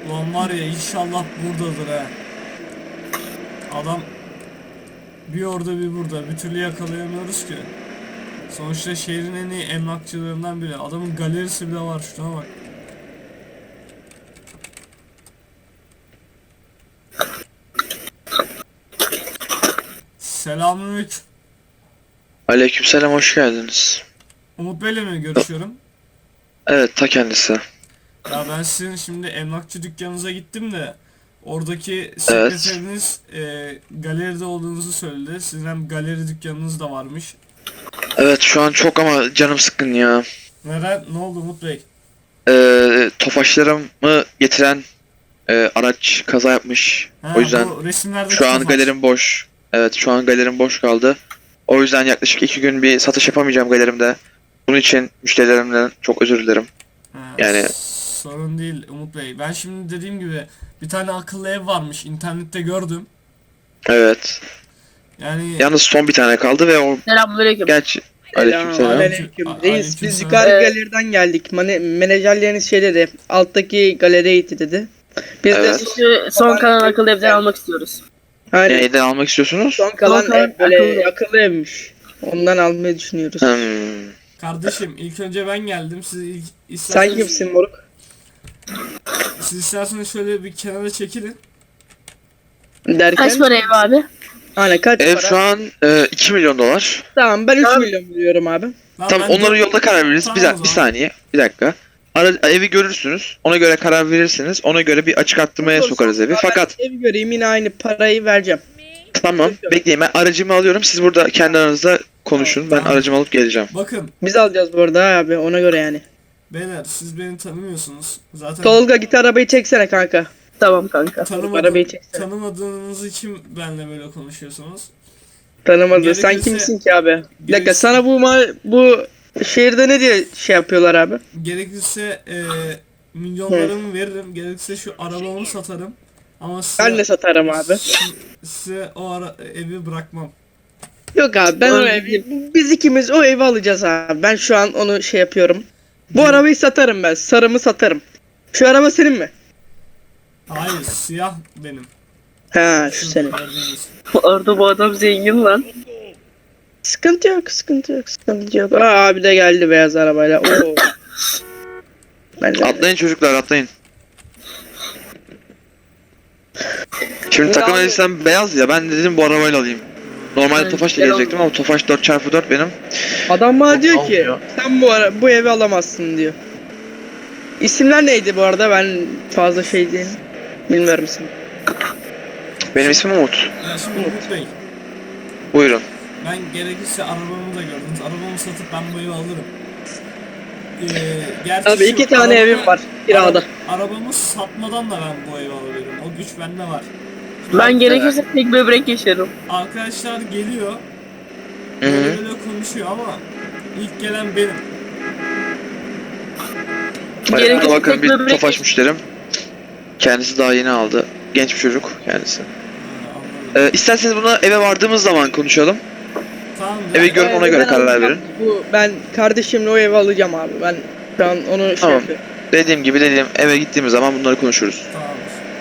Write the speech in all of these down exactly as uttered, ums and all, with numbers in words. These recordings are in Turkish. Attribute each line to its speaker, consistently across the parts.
Speaker 1: Ulan var ya inşallah buradadır ha. Adam bir orada bir burada. Bir türlü yakalayamıyoruz ki. Sonuçta şehrin en iyi emlakçılarından biri. Adamın galerisi bile var, şuna bak. Selamünaleyküm.
Speaker 2: Aleykümselam, hoş geldiniz.
Speaker 1: Umut Bey'le mi görüşüyorum?
Speaker 2: Evet, ta kendisi.
Speaker 1: Ya ben sizin şimdi emlakçı dükkanınıza gittim de oradaki
Speaker 2: Evet.
Speaker 1: sekreteriniz e, galeride olduğunuzu söyledi. Sizin hem galeri dükkanınız da varmış.
Speaker 2: Evet, şu an çok ama canım sıkkın ya.
Speaker 1: Neden? Ne oldu Umut Bey?
Speaker 2: Ee, Tofaşlarımı getiren e, araç kaza yapmış.
Speaker 1: Ha,
Speaker 2: O yüzden
Speaker 1: bu resimlerdeki
Speaker 2: şu an
Speaker 1: Tofaş.
Speaker 2: galerim boş. Evet, şu an galerim boş kaldı. O yüzden yaklaşık iki gün bir satış yapamayacağım galerimde. Bunun için müşterilerimden çok özür dilerim.
Speaker 1: Ha,
Speaker 2: Yani
Speaker 1: sorun değil Umut Bey. Ben şimdi dediğim gibi bir tane akıllı ev varmış. İnternette gördüm.
Speaker 2: evet.
Speaker 1: Yani
Speaker 2: Yalnız son bir tane kaldı ve o
Speaker 3: Selamünaleyküm.
Speaker 2: gerçi aleykümselam.
Speaker 1: Aleyküm-
Speaker 4: Selamünaleyküm.
Speaker 1: A-
Speaker 4: Reis
Speaker 1: aleyküm
Speaker 4: biz
Speaker 1: selam.
Speaker 4: yukarı
Speaker 3: Ee,
Speaker 4: galeriden geldik. Mane menajerleriniz şey dedi. Alttaki galeriye gitti dedi. Biz
Speaker 2: Evet.
Speaker 4: de
Speaker 3: Şu son kalan akıllı evden almak istiyoruz.
Speaker 4: hani
Speaker 2: Neyden almak istiyorsunuz?
Speaker 4: son kalan
Speaker 3: Son kalan
Speaker 4: ev böyle
Speaker 3: akıllı.
Speaker 4: akıllı. evmiş. Ondan almayı düşünüyoruz.
Speaker 2: Hmm.
Speaker 1: kardeşim ilk önce ben geldim. Siz ilk
Speaker 4: Sen
Speaker 1: isterseniz,
Speaker 4: kimsin moruk?
Speaker 1: siz isterseniz şöyle bir kenara çekilin.
Speaker 4: Derken?
Speaker 3: Kaç para ev abi?
Speaker 4: Hani kaç
Speaker 2: Ev
Speaker 4: para?
Speaker 2: şu an e, iki milyon dolar.
Speaker 4: Tamam ben üç
Speaker 3: Tamam.
Speaker 4: milyon veriyorum abi.
Speaker 1: Lan
Speaker 2: Tamam,
Speaker 1: ben
Speaker 2: onları
Speaker 1: dört-
Speaker 2: yolda karar veririz.
Speaker 1: Tamam
Speaker 2: bir,
Speaker 1: o
Speaker 2: dak- bir
Speaker 1: zaman.
Speaker 2: saniye, bir dakika. Ara, evi görürsünüz. Ona göre karar verirsiniz. Ona göre bir açık arttırmaya
Speaker 4: Olsun.
Speaker 2: sokarız evi.
Speaker 4: Abi
Speaker 2: Fakat
Speaker 4: ben ev göreyim yine aynı parayı vereceğim.
Speaker 2: tamam, bekleyin, ben aracımı alıyorum. Siz burada kendi aranızda konuşun. Ben
Speaker 1: Tamam.
Speaker 2: aracımı alıp geleceğim.
Speaker 1: Bakın
Speaker 4: Biz alacağız bu arada abi ona göre yani.
Speaker 1: beyler, siz beni tanımıyorsunuz. Zaten
Speaker 4: Tolga git arabayı çeksene kanka.
Speaker 3: Tamam kanka.
Speaker 1: tanımadı-
Speaker 4: arabayı çeksene.
Speaker 1: tanımadığınız için benimle böyle konuşuyorsunuz.
Speaker 4: Tanımadı. Sen
Speaker 1: Gerekirse-
Speaker 4: kimsin ki abi? Bir dakika
Speaker 1: gerekirse-
Speaker 4: sana bu ma- bu şehirde ne diye şey yapıyorlar abi?
Speaker 1: Gerekirse e, milyonlarımı veririm. Gerekirse şu arabamı satarım. Ama size,
Speaker 4: Ben de satarım abi.
Speaker 1: si- size o ara, evi bırakmam.
Speaker 4: Yok abi ben o
Speaker 3: Öyle
Speaker 4: evi, biz ikimiz o evi alacağız abi. Ben şu an onu şey yapıyorum. Bu arabayı satarım ben. Sarımı satarım. Şu araba senin mi?
Speaker 1: Hayır, siyah benim.
Speaker 4: Ha şu senin.
Speaker 1: gördüğünüz.
Speaker 3: Bu arada bu adam zengin lan.
Speaker 4: Sıkıntı yok, sıkıntı yok, sıkıntı yok. Aa abi de geldi beyaz arabayla. Oo. Ben de.
Speaker 2: Atlayın çocuklar, atlayın. Şimdi
Speaker 4: Ya
Speaker 2: takım
Speaker 4: abi-
Speaker 2: elbisem beyaz ya, ben de dedim bu arabayla alayım. Normalde
Speaker 3: Aynen,
Speaker 2: Tofaş'la
Speaker 3: güzel
Speaker 2: gelecektim ama Tofaş dört çarpı dört benim.
Speaker 4: Adam bana
Speaker 2: Çok
Speaker 4: diyor ki
Speaker 2: almıyor.
Speaker 4: sen bu ara bu evi alamazsın diyor. İsimler neydi bu arada? Ben fazla şey değilim. Bilmiyorum isim.
Speaker 2: Benim ismim Umut.
Speaker 1: Ya şimdi Umut Bey,
Speaker 2: Buyurun.
Speaker 1: ben gerekirse arabamı da gördünüz. Arabamı satıp ben bu evi alırım. Ee, gerçi
Speaker 4: Abi
Speaker 1: şu
Speaker 4: iki tane
Speaker 1: arabamı-
Speaker 4: evim var kirada.
Speaker 1: Ara- arabamı satmadan da ben bu evi alabilirim. O güç bende var.
Speaker 3: Ben gerekirse tek böbrek yaşarım.
Speaker 1: Arkadaşlar geliyor.
Speaker 2: Hı hı.
Speaker 1: Böyle böyle konuşuyor ama ilk gelen benim.
Speaker 2: Hadi
Speaker 3: Gerekirse
Speaker 2: burada bakın
Speaker 3: tek
Speaker 2: bir
Speaker 3: böbrek
Speaker 2: Tofaş müşterim. Kendisi daha yeni aldı. Genç bir çocuk kendisi.
Speaker 1: Ha, anladım.
Speaker 2: Ee, isterseniz bunu eve vardığımız zaman konuşalım.
Speaker 1: Tamam.
Speaker 2: Evi
Speaker 1: ya,
Speaker 2: görün, ona
Speaker 4: Ben-
Speaker 2: göre
Speaker 4: ben
Speaker 2: karar
Speaker 4: alacağım.
Speaker 2: verin.
Speaker 4: Bu ben kardeşimle o evi alacağım abi. Ben şu an onu şey
Speaker 2: Tamam.
Speaker 4: yapıyorum.
Speaker 2: Dediğim gibi dediğim eve gittiğimiz zaman bunları konuşuruz.
Speaker 1: Tamamdır.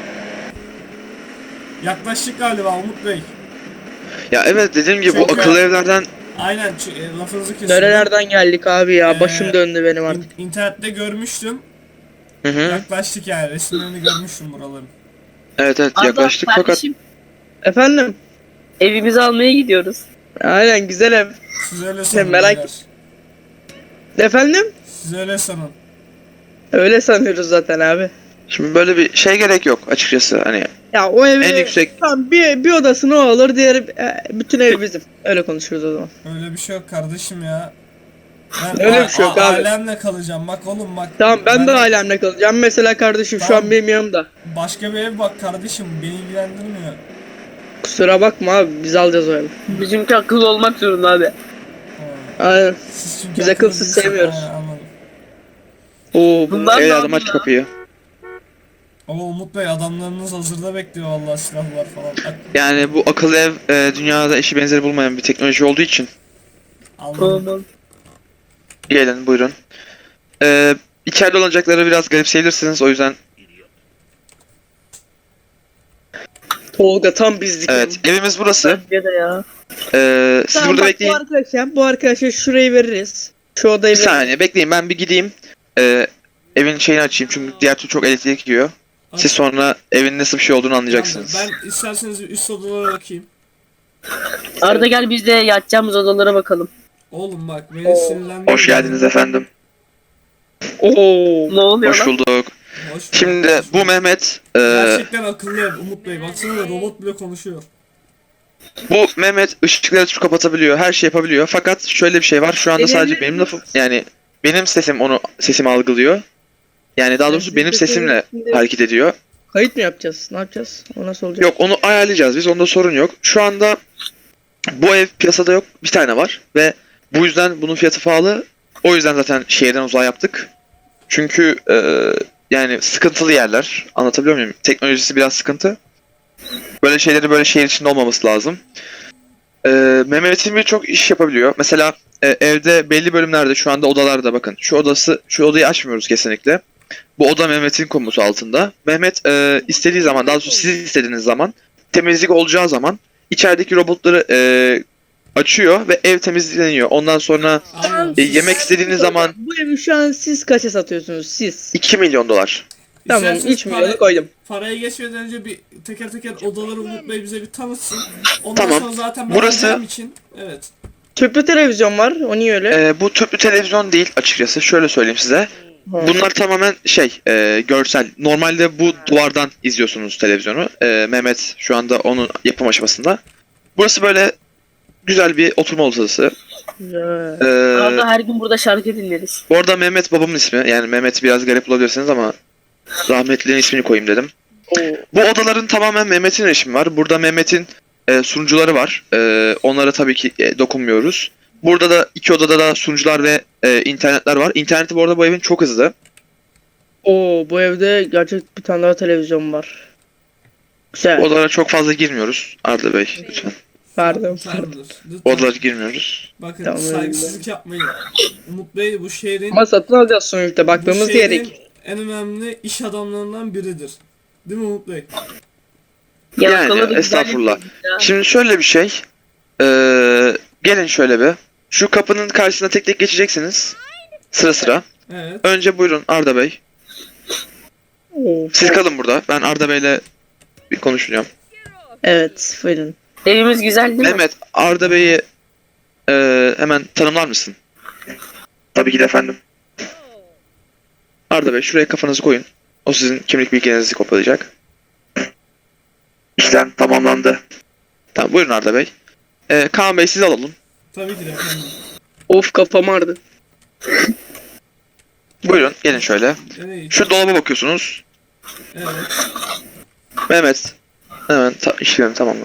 Speaker 1: Yaklaştık galiba Umut Bey.
Speaker 2: Ya evet, dediğim gibi bu
Speaker 1: Çok
Speaker 2: akıllı
Speaker 1: ya.
Speaker 2: evlerden
Speaker 1: Aynen, ç- e, lafınızı kesiyorum.
Speaker 4: Nerelerden geldik abi ya?
Speaker 1: Ee,
Speaker 4: Başım döndü benim artık.
Speaker 1: İn- İnternette görmüştüm.
Speaker 2: hı hı.
Speaker 1: Yaklaştık yani. Resimlerini görmüştüm buraların.
Speaker 2: Evet evet,
Speaker 3: Arda,
Speaker 2: yaklaştık fakat
Speaker 3: kardeşim,
Speaker 4: Efendim?
Speaker 3: evimizi almaya gidiyoruz.
Speaker 4: Aynen güzel ev.
Speaker 1: Siz öyle sanın.
Speaker 4: merak-
Speaker 1: beyler.
Speaker 4: Efendim?
Speaker 1: Siz öyle sanın.
Speaker 4: Öyle sanıyoruz zaten abi.
Speaker 2: şimdi böyle bir şey gerek yok açıkçası, hani
Speaker 4: Ya o evi
Speaker 2: en yüksek
Speaker 4: tamam bir, bir odasını o alır, diğeri e, bütün ev bizim. Öyle konuşuyoruz o zaman.
Speaker 1: Öyle bir şey yok kardeşim ya. Ben
Speaker 4: Öyle
Speaker 1: a-
Speaker 4: bir şey yok
Speaker 1: a-
Speaker 4: abi.
Speaker 1: Ailemle kalacağım. Bak oğlum bak.
Speaker 4: Tamam ben de ailemle kalacağım. Mesela kardeşim şu
Speaker 1: Tamam.
Speaker 4: an benim yanımda.
Speaker 1: Başka bir ev bak kardeşim. Beni ilgilendirmiyor.
Speaker 4: Kusura bakma abi biz alacağız o evi.
Speaker 3: Bizimki akıllı olmak zorunda abi.
Speaker 1: Ha.
Speaker 4: Aynen.
Speaker 1: Siz çünkü
Speaker 4: Biz akılsız
Speaker 1: akıllı değilsiniz.
Speaker 4: sevmiyoruz.
Speaker 1: Ha, anladım.
Speaker 4: Oo bu
Speaker 3: Bundan
Speaker 2: evladım
Speaker 3: da
Speaker 2: aç kapıyı.
Speaker 1: Ama Umut Bey, adamlarınız hazırda bekliyor vallahi, silahlar falan. Bak,
Speaker 2: Yani bu akıllı ev e, dünyada eşi benzeri bulmayan bir teknoloji olduğu için.
Speaker 1: anladım.
Speaker 3: Tamam.
Speaker 2: Gelin buyurun. E, içeride olacakları biraz garipseyebilirsiniz, o yüzden
Speaker 4: Tolga tam bizlik.
Speaker 2: Evet, evimiz burası.
Speaker 3: Bence de ya.
Speaker 2: Ee, siz
Speaker 4: Tamam,
Speaker 2: burada
Speaker 4: bak,
Speaker 2: bekleyin.
Speaker 4: Bu arkadaşa, bu arkadaşa şurayı veririz. Şu odayı
Speaker 2: Bir
Speaker 4: veririz.
Speaker 2: saniye bekleyin, ben bir gideyim. Ee, evin şeyini açayım çünkü diğer türlü çok elektrik yiyor. Siz sonra evin nasıl bir şey olduğunu anlayacaksınız.
Speaker 1: Ben isterseniz bir üst odalara bakayım.
Speaker 3: Arda gel biz de yatacağımız odalara bakalım.
Speaker 1: Oğlum bak beni sinirlendirme.
Speaker 2: Hoş geldiniz efendim.
Speaker 4: Oo.
Speaker 3: Ne oluyor
Speaker 2: Hoş
Speaker 3: lan?
Speaker 2: bulduk.
Speaker 1: Hoş bulduk,
Speaker 2: Şimdi
Speaker 1: hoş bulduk.
Speaker 2: bu Mehmet, e,
Speaker 1: Gerçekten akıllı ev Umut Bey. Baksana da robot bile konuşuyor.
Speaker 2: bu Mehmet ışıkları açıp kapatabiliyor, her şey yapabiliyor. Fakat şöyle bir şey var, şu anda sadece benim lafım, yani benim sesim onu sesimi algılıyor. Yani daha doğrusu benim sesimle hareket ediyor.
Speaker 4: Kayıt mı yapacağız? Ne yapacağız? O nasıl olacak?
Speaker 2: Yok, onu ayarlayacağız biz, onda sorun yok. Şu anda bu ev piyasada yok, bir tane var ve bu yüzden bunun fiyatı pahalı. O yüzden zaten şehirden uzağa yaptık. Çünkü e, yani sıkıntılı yerler, anlatabiliyor muyum? Teknolojisi biraz sıkıntı. Böyle şeyleri böyle şehir içinde olmaması lazım. E, Mehmet'in birçok iş yapabiliyor. Mesela e, evde belli bölümlerde şu anda odalarda bakın. Şu odası, şu odayı açmıyoruz kesinlikle. Bu oda Mehmet'in komutu altında. Mehmet e, istediği zaman, daha doğrusu siz istediğiniz zaman, temizlik olacağı zaman içerideki robotları e, açıyor ve ev temizleniyor. Ondan sonra
Speaker 1: Aynen.
Speaker 2: e, yemek istediğiniz zaman
Speaker 4: Bu evi şu an siz kaça satıyorsunuz? Siz.
Speaker 2: iki milyon dolar.
Speaker 4: Tamam,
Speaker 1: İsterseniz
Speaker 4: üç milyonu
Speaker 1: para-
Speaker 4: koydum.
Speaker 1: Paraya geçmeden önce bir teker teker odaları Umut Bey bize bir tanıtsın. Ondan
Speaker 2: Tamam.
Speaker 1: sonra zaten ben
Speaker 2: Burası-
Speaker 1: alacağım için. Evet.
Speaker 4: Tüplü televizyon var. O niye öyle?
Speaker 2: E, bu tüplü televizyon değil açıkçası. Şöyle söyleyeyim size.
Speaker 4: Ha.
Speaker 2: Bunlar tamamen şey, e, görsel. Normalde bu duvardan izliyorsunuz televizyonu. E, Mehmet şu anda onun yapım aşamasında. Burası böyle güzel bir oturma odası.
Speaker 4: Güzel.
Speaker 2: E,
Speaker 3: Arda her gün burada şarkı dinleriz.
Speaker 2: bu arada Mehmet babamın ismi. Yani Mehmet'i biraz garip bulabilirsiniz ama rahmetlinin ismini koyayım dedim.
Speaker 4: Oo.
Speaker 2: Bu odaların tamamen Mehmet'in erişimi var. Burada Mehmet'in e, sunucuları var. E, onlara tabii ki e, dokunmuyoruz. Burada da iki odada da sunucular ve e, internetler var. İnterneti bu arada bu evin çok hızlı.
Speaker 4: Oo, bu evde gerçek bir tane daha televizyon var. Güzel.
Speaker 2: Bu odalara çok fazla girmiyoruz Arda Bey lütfen.
Speaker 4: Pardon, pardon.
Speaker 1: Tamamdır. Lütfen.
Speaker 2: Bu odalara girmiyoruz.
Speaker 1: Bakın
Speaker 4: Tamam,
Speaker 1: saygısızlık yapmayın. Umut Bey bu şehrin,
Speaker 4: Ama satın alacağız sonuçta.
Speaker 1: bu
Speaker 4: Baktığımız
Speaker 1: şehrin
Speaker 4: diyerek.
Speaker 1: en önemli iş adamlarından biridir. Değil mi Umut Bey?
Speaker 3: Ya,
Speaker 2: Yani,
Speaker 3: bakalım, güzel
Speaker 2: estağfurullah.
Speaker 3: yapıyoruz ya.
Speaker 2: Şimdi şöyle bir şey. Ee, gelin şöyle bir. Şu kapının karşısına tek tek geçeceksiniz. Sıra sıra.
Speaker 1: Evet.
Speaker 2: Önce buyurun Arda Bey.
Speaker 4: Oo.
Speaker 2: Siz kalın burada. Ben Arda Bey'le bir konuşacağım.
Speaker 4: Evet, buyurun.
Speaker 3: Evimiz güzel değil mi?
Speaker 2: Mehmet, Arda Bey'i e, hemen tanımlar mısın? Tabii ki de efendim. Arda Bey şuraya kafanızı koyun. O sizin kimlik bilgilerinizi kopyalayacak. İşlem tamamlandı. Tamam buyurun Arda Bey. Ee, Kaan Bey siz alalım.
Speaker 1: Tabii ki de efendim.
Speaker 4: Of, kafam ağrıdı.
Speaker 2: Buyurun gelin şöyle.
Speaker 1: Evet.
Speaker 2: Şu dolaba bakıyorsunuz.
Speaker 1: Evet.
Speaker 2: Mehmet. Hemen ta işlemi tamamla.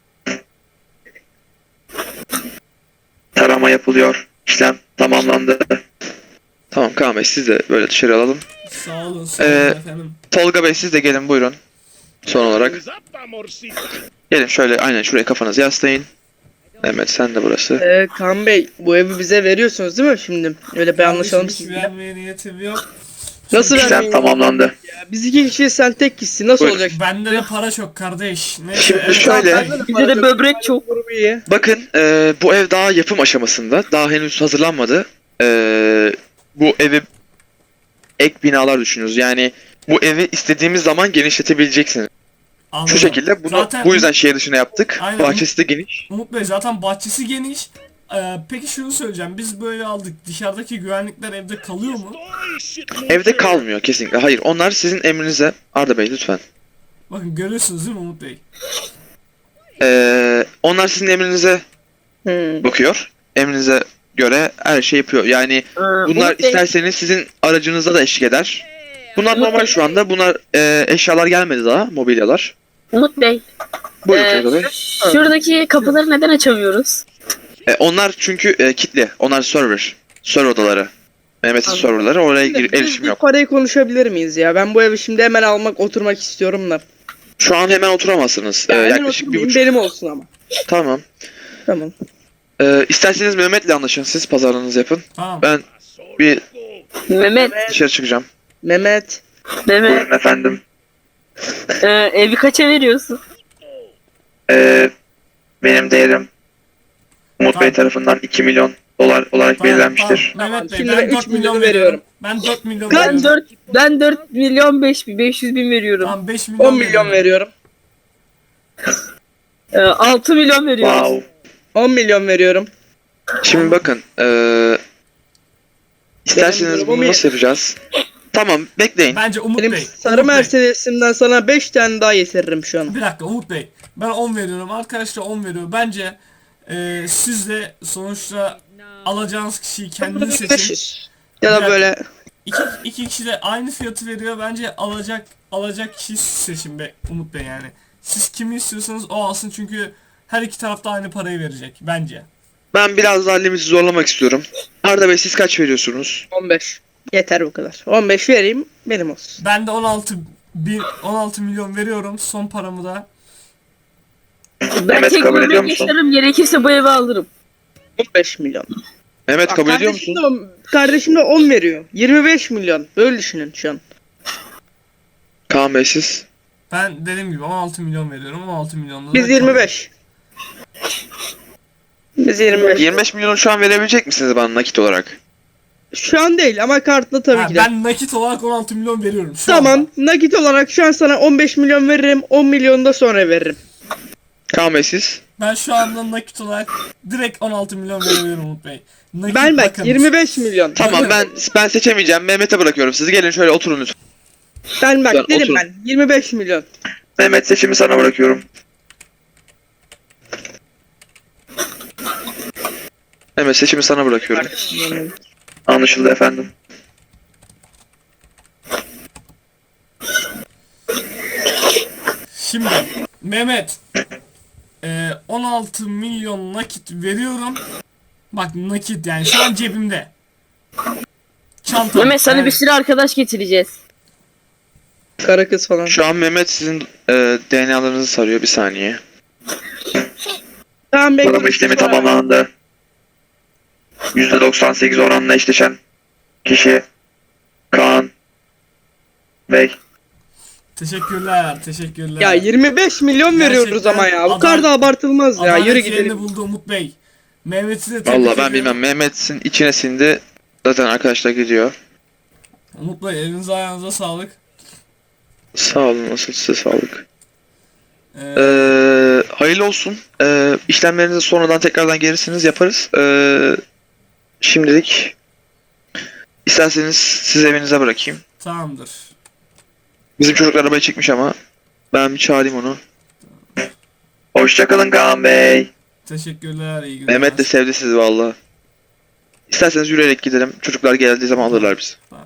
Speaker 2: Tarama yapılıyor. İşlem tamamlandı. Tamam Kaan Bey siz de böyle dışarı alalım.
Speaker 1: Sağ olun, sağ olun
Speaker 2: Ee,
Speaker 1: efendim.
Speaker 2: Tolga Bey siz de gelin buyurun. Son olarak. Gelin şöyle aynen şuraya kafanızı yaslayın. Mehmet sen de burası.
Speaker 4: Ee, Kaan Bey, bu evi bize veriyorsunuz değil mi şimdi? Öyle bir anlaşalım
Speaker 1: Hiç
Speaker 4: sizinle.
Speaker 1: vermeye niyetim yok.
Speaker 4: Nasıl
Speaker 2: İşlem
Speaker 4: vermeyin?
Speaker 2: tamamlandı.
Speaker 4: Ya, biz iki kişiyiz, sen tek kişisin. Nasıl
Speaker 2: Buyurun.
Speaker 4: olacak?
Speaker 1: Bende de para çok kardeş. Neyse.
Speaker 2: Şimdi
Speaker 1: evet,
Speaker 2: şöyle-
Speaker 1: Bey.
Speaker 3: Bize de böbrek çok.
Speaker 4: Grubu iyi.
Speaker 2: Bakın e, bu ev daha yapım aşamasında. Daha henüz hazırlanmadı. E, bu evi ek binalar düşünüyoruz. Yani bu evi istediğimiz zaman genişletebileceksiniz.
Speaker 1: Anladım.
Speaker 2: Şu şekilde bunu
Speaker 1: Zaten
Speaker 2: bu yüzden şehir dışına yaptık.
Speaker 1: Aynen.
Speaker 2: Bahçesi de geniş.
Speaker 1: Umut Bey zaten bahçesi geniş. Ee, peki şunu söyleyeceğim. Biz böyle aldık. Dışarıdaki güvenlikler evde kalıyor mu?
Speaker 2: Evde kalmıyor kesinlikle. Hayır onlar sizin emrinize. Arda Bey lütfen.
Speaker 1: Bakın görüyorsunuz değil mi Umut Bey?
Speaker 2: E, onlar sizin emrinize
Speaker 4: Hmm.
Speaker 2: bakıyor. Emrinize göre her şey yapıyor. Yani
Speaker 3: Ee,
Speaker 2: bunlar
Speaker 3: Umut Bey,
Speaker 2: isterseniz sizin aracınıza da eşlik eder. Bunlar normal şu anda. Bunlar e, eşyalar gelmedi daha. Mobilyalar.
Speaker 3: Umut Bey.
Speaker 2: Buyurun
Speaker 3: ee,
Speaker 2: Tolga Bey.
Speaker 3: Şuradaki kapıları neden açamıyoruz?
Speaker 2: E, onlar çünkü e, kitli. Onlar server. Server odaları. Mehmet'in
Speaker 3: Anladım.
Speaker 2: serverları. Oraya gir-
Speaker 4: Biz
Speaker 2: erişim
Speaker 4: bir
Speaker 2: yok.
Speaker 4: parayı konuşabilir miyiz ya? Ben bu evi şimdi hemen almak, oturmak istiyorum da.
Speaker 2: Şu an hemen oturamazsınız. E,
Speaker 4: Ya, hemen
Speaker 2: yaklaşık bir
Speaker 4: oturmayayım,
Speaker 2: buçuk.
Speaker 4: benim olsun ama.
Speaker 2: Tamam.
Speaker 4: Tamam.
Speaker 2: E, isterseniz Mehmet'le anlaşın. Siz pazarlığınızı yapın.
Speaker 1: Tamam.
Speaker 2: Ben bir
Speaker 3: Mehmet.
Speaker 2: dışarı çıkacağım.
Speaker 4: Mehmet.
Speaker 3: Mehmet.
Speaker 2: efendim.
Speaker 3: Ee, evi kaça veriyorsun?
Speaker 2: Ee, benim değerim Umut
Speaker 1: Tamam.
Speaker 2: Bey tarafından iki milyon dolar olarak
Speaker 1: Tamam,
Speaker 2: belirlenmiştir.
Speaker 1: tamam. Mehmet Bey
Speaker 4: Şimdi
Speaker 1: ben
Speaker 4: ben
Speaker 1: dört
Speaker 4: üç
Speaker 1: milyon
Speaker 4: milyonu
Speaker 1: veriyorum.
Speaker 4: veriyorum.
Speaker 1: Ben dört milyon
Speaker 3: Ben
Speaker 1: veriyorum.
Speaker 3: dört ben dört milyon beş beş yüz bin veriyorum.
Speaker 1: Tamam beş milyon
Speaker 4: on milyon veriyorum.
Speaker 3: Ee, altı milyon veriyoruz.
Speaker 2: Wow.
Speaker 4: on milyon veriyorum.
Speaker 2: Şimdi bakın, eee isterseniz
Speaker 4: durumum
Speaker 2: bunu
Speaker 4: iyi.
Speaker 2: nasıl yapacağız? Tamam, bekleyin.
Speaker 1: Bence Umut
Speaker 4: Benim
Speaker 1: Bey.
Speaker 4: sarı
Speaker 1: Umut Bey.
Speaker 4: Mercedes'imden sana beş tane daha getiririm şu an.
Speaker 1: Bir dakika Umut Bey. Ben on veriyorum. Arkadaşlar on veriyor. Bence e, siz de sonuçta alacağınız kişiyi kendiniz seçin.
Speaker 4: beş yüz. Ya da
Speaker 1: Bir
Speaker 4: böyle
Speaker 1: İki, iki kişi de aynı fiyatı veriyor. Bence alacak alacak kişiyi siz seçin be Umut Bey yani. Siz kimi istiyorsanız o alsın çünkü her iki tarafta aynı parayı verecek bence.
Speaker 2: Ben biraz daha limiti zorlamak istiyorum. Arda Bey siz kaç veriyorsunuz?
Speaker 4: on beş. Yeter bu kadar. on beş vereyim benim olsun.
Speaker 1: Ben de on altı bin on altı milyon veriyorum. Son paramı da.
Speaker 3: Ben
Speaker 2: Evet,
Speaker 3: tek
Speaker 2: kabul ediyor
Speaker 3: bölüm
Speaker 2: musun?
Speaker 3: yaşarım, gerekirse bu evi alırım.
Speaker 4: on beş milyon.
Speaker 2: Mehmet
Speaker 4: Bak,
Speaker 2: kabul ediyor
Speaker 4: kardeşim
Speaker 2: musun?
Speaker 4: de on- Kardeşim de on veriyor. yirmi beş milyon. Böyle düşünün şu an.
Speaker 2: Kaan Bey siz?
Speaker 1: Ben dediğim gibi on altı milyon veriyorum. on altı milyonda da
Speaker 4: Biz yirmi beş. Biz yirmi beş.
Speaker 2: yirmi beş milyonu şu an verebilecek misiniz bana nakit olarak?
Speaker 4: Şu an değil ama kartla tabii
Speaker 1: Ha,
Speaker 4: ki de.
Speaker 1: ben nakit olarak on altı milyon veriyorum şu
Speaker 4: Tamam.
Speaker 1: anda.
Speaker 4: Nakit olarak şu an sana on beş milyon veririm. on milyonu da sonra veririm.
Speaker 2: Kaan Bey siz?
Speaker 1: Ben şu anda nakit olarak direkt on altı milyon veriyorum Umut Bey. Nakit
Speaker 4: Ben bak
Speaker 1: bakınız.
Speaker 4: yirmi beş milyon.
Speaker 2: Tamam, ben ben seçemeyeceğim. Mehmet'e bırakıyorum. Siz gelin şöyle oturun lütfen.
Speaker 4: Ben bak
Speaker 2: Lütfen
Speaker 4: dedim
Speaker 2: oturun.
Speaker 4: ben. yirmi beş milyon.
Speaker 2: Mehmet seçimi sana bırakıyorum. Mehmet seçimi sana bırakıyorum. Anlaşıldı efendim.
Speaker 1: Şimdi Mehmet e, on altı milyon nakit veriyorum. Bak nakit yani şu an cebimde. Çantam.
Speaker 3: Mehmet sana
Speaker 1: yani-
Speaker 3: bir sürü arkadaş getireceğiz.
Speaker 4: Kara kız falan.
Speaker 2: Şu an Mehmet sizin e, D N A'larınızı sarıyor. Bir saniye.
Speaker 4: Tamam bekle.
Speaker 2: Arama işlemi tamamlandı. yüzde doksan sekiz oranla eşleşen kişi Kaan Bey.
Speaker 1: Teşekkürler, teşekkürler.
Speaker 4: Ya yirmi beş milyon veriyoruz
Speaker 1: Gerçekten
Speaker 4: ama ya. Bu
Speaker 1: adam-
Speaker 4: kadar da abartılmaz ya.
Speaker 1: Adalet
Speaker 4: Yürü
Speaker 1: yerini
Speaker 4: gidelim.
Speaker 1: buldu Umut Bey. Mehmet'i de tebrik
Speaker 2: Vallahi ben
Speaker 1: ediyorum.
Speaker 2: bilmem. Mehmet'in içine sindi. Zaten arkadaşlar gidiyor.
Speaker 1: Umut Bey elinize ayağınıza sağlık.
Speaker 2: Sağ olun. Nasıl size sağlık.
Speaker 1: Ee,
Speaker 2: Ee, hayırlı olsun. Ee, işlemlerinizi sonradan tekrardan gelirsiniz yaparız. Ee, şimdilik isterseniz siz evinize bırakayım.
Speaker 1: tamamdır.
Speaker 2: Bizim çocuklar arabayı çekmiş ama ben bir çağırayım onu. Hoşçakalın Kaan Bey.
Speaker 1: Teşekkürler, iyi günler.
Speaker 2: Mehmet de sevdi sizi valla. İsterseniz yürüyerek gidelim. Çocuklar geldiği zaman alırlar bizi.
Speaker 1: Tamam.